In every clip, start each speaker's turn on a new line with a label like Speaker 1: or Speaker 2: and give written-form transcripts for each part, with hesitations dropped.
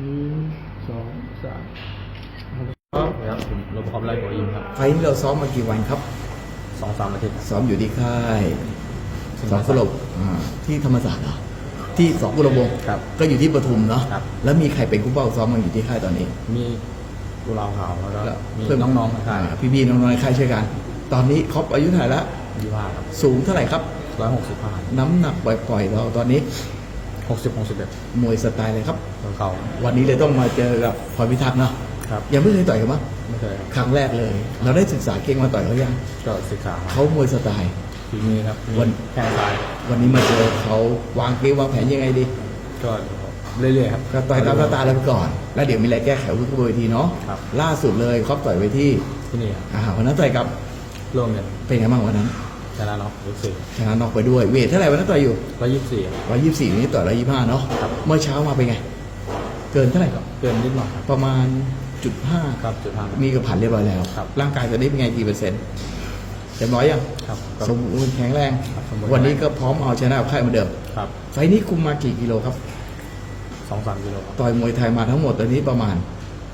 Speaker 1: 1 2 3ครับผมรบความไล่หัวยิงครับ
Speaker 2: ไฟล์นี้เราซ้อมมากี่วันครับ
Speaker 1: 2-3 อาทิตย์ครับ
Speaker 2: ซ้อมอยู่ที่ค่ายสองกุหลาบที่ธรรมศาสตร์เหรอที่สองกุหลาบวงศ์
Speaker 1: ครับ
Speaker 2: ก็อยู่ที่ปทุมเนาะ
Speaker 1: ครับ
Speaker 2: แล้วมีใครเป็นผู้เป้าซ้อมมาอยู่ที่ค่ายตอนนี้
Speaker 1: มีกุหลาบขาวแล้วก็
Speaker 2: แล้ว
Speaker 1: มี
Speaker 2: เพื่
Speaker 1: น้องๆนะครับ
Speaker 2: พี่ๆน้องๆในค่ายช่วยกัน ตอนนี้ครบอายุเท่าไหร่ละ
Speaker 1: 25ครับ
Speaker 2: สูงเท่าไหร่ครับ
Speaker 1: 165
Speaker 2: น้ำหนักปล่อยๆเราตอนนี้
Speaker 1: 60-61
Speaker 2: มวยสไตล์เลยครับ
Speaker 1: ของเขา
Speaker 2: วันนี้เลยต้องมาเจอกับพรพิทักษ์เนาะ
Speaker 1: ครับ
Speaker 2: ยังไม่เคยต่อยกันมั้ง
Speaker 1: ไม่เคยครับ
Speaker 2: ครั้งแรกเลย เราได้ศึกษาเก่งมาต่อยเขายัง
Speaker 1: ก็ศึกษาครับ
Speaker 2: เขามวยสไตล์
Speaker 1: ฝีมือครับมี
Speaker 2: วัน
Speaker 1: แข้งซ้าย
Speaker 2: วันนี้มาเจอเขาวางเกมวางแผนยังไงดี
Speaker 1: ก็เรื่อยๆครับ
Speaker 2: ก็ต่อยตามสไตล์เราไปก่อน แล้วเดี๋ยวมีอะไรแก้ไขวุ้นกระบวนทีเนาะ
Speaker 1: ครับ
Speaker 2: ล่าสุดเลยเขาต่อยไปที่
Speaker 1: ที่นี่ครับ
Speaker 2: วันนั้นต่อยกับ
Speaker 1: ร่วมกัน
Speaker 2: เป็นไงบ้างวันนั้น
Speaker 1: ชนะน็อกยก
Speaker 2: ชนะน็อกไปด้วยเวทเท่าไหร่วันนั้นต่อยอยู่
Speaker 1: 4
Speaker 2: 124นี้ต่อย125เนาะ
Speaker 1: ครับ
Speaker 2: เมื่อเช้ามาเป็นไง เกินเท่าไหร่ครับ
Speaker 1: เกินนิดหน่อยครับ
Speaker 2: ประมาณ0.5
Speaker 1: ครับ5
Speaker 2: มีกระผ่านเรียบร้อยแล้ว
Speaker 1: ครับ
Speaker 2: ร่างกายตอนนี้เป็นไงกี่เปอร์เซ็นต์เต็มร้อยยัง
Speaker 1: ครับก็
Speaker 2: สมบูรณ์แข็งแรง
Speaker 1: ครับสมบูรณ์
Speaker 2: วันนี้ก็พร้อมเอาชนะกับค่ายเหมือนเดิม
Speaker 1: ครับ
Speaker 2: ไฟล์นี้คุมมากี่กิโลครับ
Speaker 1: 2-3 กิโลครับ
Speaker 2: ต่อยมวยไทยมาทั้งหมดตอนนี้ประมาณ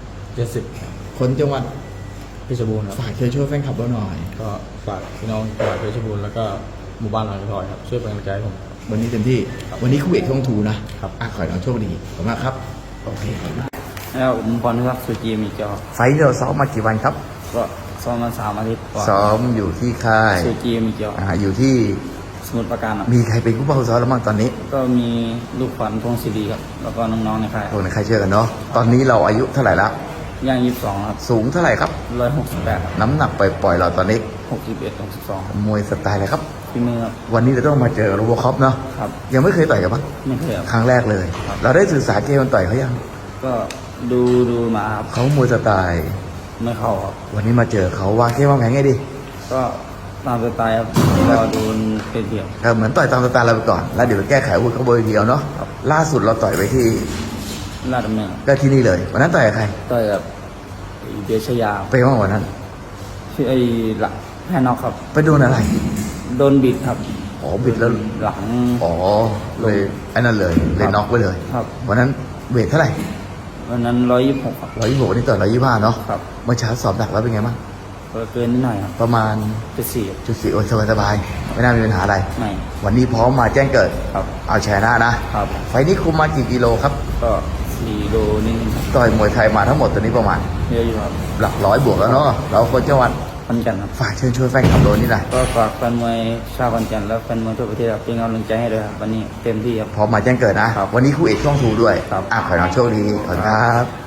Speaker 1: 70ครับ
Speaker 2: คนจังหวัด
Speaker 1: เพชรบูรณ์ครับ
Speaker 2: ฝากเชิญช่วยแฟนคลับเราหน่อย
Speaker 1: ก็ฝากพี่น้องจังหวัดเพชรบูรณ์แล้วก็หมู่บ้านหลังทอยครับช่วยเป็นกำลังใจให้ผม
Speaker 2: วันนี้เต็มที่
Speaker 1: ครับ
Speaker 2: วันนี้คู่เอกช่องทูนะครับ ขอให้เราโชคดีขอบคุณมากครับ โอเค
Speaker 3: แล้วผมพรพิทักษ์สุจีมีเจ้า
Speaker 2: ไฟล์เราซ้อมมากี่วันครับ
Speaker 3: ก็ซ้อมมา3 อาทิตย์กว่า
Speaker 2: ซ้อมอยู่ที่ค่าย
Speaker 3: สุจีมีเจ้า
Speaker 2: อยู่ที่
Speaker 3: สมุทรปราการครับ
Speaker 2: มีใครเป็นผู้เป้าซ้อมแล้วบ้างตอนนี้
Speaker 3: ก็มีลูกขวัญพงศิริครับ แล้วก็น้องๆในค่าย
Speaker 2: โอ้ในใครเชื่อกันเนาะ ตอนนี้เราอายุเท่าไหร่ละ
Speaker 3: ย่าง22ครับ
Speaker 2: สูงเท่าไหร่ครับ
Speaker 3: 168ครับ
Speaker 2: น้ำหนักปล่อยๆเราตอนนี้
Speaker 3: 61 62ครับ
Speaker 2: มวยสไตล์อะไรครับ
Speaker 3: ฝีมือครับ
Speaker 2: วันนี้เราต้องมาเจอโรโบคอปเนาะ
Speaker 3: ครับ
Speaker 2: ยังไม่เคยต่อยกันปะ
Speaker 3: ไม่เคยครับ
Speaker 2: ครั้งแรกเลย เราได้ศึกษาเกมมันต่อยเขายัง
Speaker 3: ก็ดูมาครับ
Speaker 2: เขามวยสไตล์
Speaker 3: ไม่เข้าครับ
Speaker 2: วันนี้มาเจอเขาวางเกมวางแผนไงดี
Speaker 3: ก็ตามสไตล์ครับก็โดนเป็นเดียว
Speaker 2: เหมือนต่อยตามสไตล์เราไปก่อน แล้วเดี๋ยวไปแก้ไขอาวุธเขาบนเวทีเอาเนาะ ล่าสุดเราต่อยไปที่
Speaker 3: ลาดดำเนิน
Speaker 2: ก็ที่นี่เลย วันนั้นต่อยกับใคร
Speaker 3: ต่อยกับเบียร์ชยา
Speaker 2: ไปบ้างวันนั้น
Speaker 3: ชื่อไอ้หลักแพ้นอกครับ
Speaker 2: ไปโดนอะไร
Speaker 3: โดนบิดครับ
Speaker 2: อ๋อบิดแล้ว
Speaker 3: หลัง
Speaker 2: อ๋อเลยไอ้นั่นเลยเลยน็อกไปเลย
Speaker 3: ครับ
Speaker 2: วันนั้นเวทเท่าไหร่
Speaker 3: วันนั้น126ครับ
Speaker 2: 126นี่ต่อย125เนาะ
Speaker 3: ครับ
Speaker 2: เมื่อเช้าสอบหนักแล้วเป็นไงบ้าง
Speaker 3: ก็เกินนิดหน่อยครับ
Speaker 2: ประมาณ
Speaker 3: 74
Speaker 2: จุดสี่โอ้ยสบายๆไม่น่ามีปัญหาอะไร
Speaker 3: ไม่
Speaker 2: วันนี้พร้อมมาแจ้งเกิด
Speaker 3: ครับ
Speaker 2: เอาชนะนะ
Speaker 3: ครับ
Speaker 2: ไฟล์นี้คุมมากี่กิโลครับ
Speaker 3: ก็4 โลนิดนึงครับ
Speaker 2: ต่อยมวยไทยมาทั้งหมดตอนนี้ประมาณ
Speaker 3: เยอะอยู่ครับ
Speaker 2: หลักร้อยบวกแล้วเนาะ เราคนจังหวัด
Speaker 3: ขอนแก่นครับ
Speaker 2: ฝากเชิญช่วยแฟนคลับโดนนี่หน่อย
Speaker 3: ก็ฝากแฟนมวยชาวขอนแก่นและแฟนมวยทั่วประเทศครับเป็นกำลังใจให้ด้วยครับวันนี้เต็มที่ครับ
Speaker 2: พร้อมมาแจ้งเกิดนะ
Speaker 3: ครับ
Speaker 2: วันนี้คู่เอกช่องทูด้วย
Speaker 3: ครับ
Speaker 2: ขอให้น้องโชคดี ขอบคุณครับ